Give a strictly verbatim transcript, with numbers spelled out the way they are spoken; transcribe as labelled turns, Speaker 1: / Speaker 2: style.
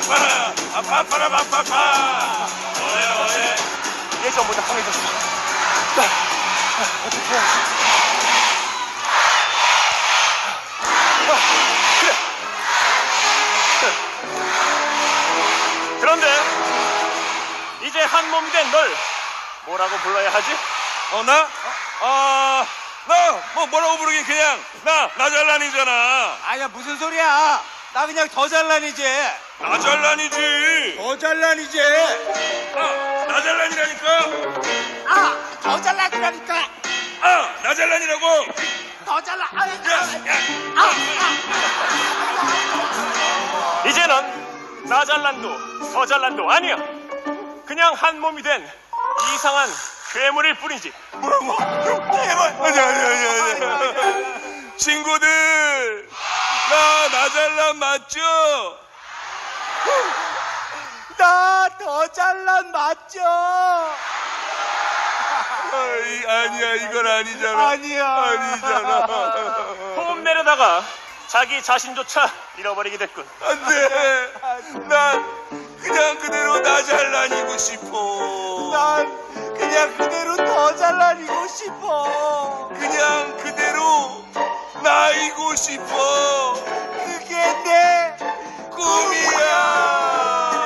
Speaker 1: 아파라 아파라 아파라 어예 어예.
Speaker 2: 예전보다 강해졌어. 나 어떻게 해야지? 아, 그래. 그런데 이제 한 몸이 된 널 뭐라고 불러야 하지?
Speaker 1: 어 나? 아 나 뭐 뭐라고 부르긴 그냥 나 나잘란이잖아.
Speaker 3: 아야 무슨 소리야? 나 그냥 더 잘난이지.
Speaker 1: 나잘란이지.
Speaker 3: 더 잘난이지.
Speaker 1: 아 나잘란이라니까.
Speaker 3: 아, 더 잘난이라니까.
Speaker 1: 아 나잘란이라고.
Speaker 3: 더 잘난. 아,
Speaker 1: 야, 야.
Speaker 2: 이제는 나 잘난도 더 잘난도 아니야. 그냥 한 몸이 된 이상한 괴물일 뿐이지.
Speaker 1: 뭐라고? 제발. 아니 아니 아니 아니. 친구들 나 나잘란 맞죠?
Speaker 3: 나 더 잘난 맞죠?
Speaker 1: 아이, 아니야 이건 아니잖아.
Speaker 3: 아니야.
Speaker 1: 아니잖아.
Speaker 2: 호흡 내려다가 자기 자신조차 잃어버리게 됐군.
Speaker 1: 안돼. 난 그냥 그대로 나잘란이고 싶어.
Speaker 3: 난 그냥 그대로 더 잘난이고 싶어.
Speaker 1: 그냥 그대로 나이고 싶어.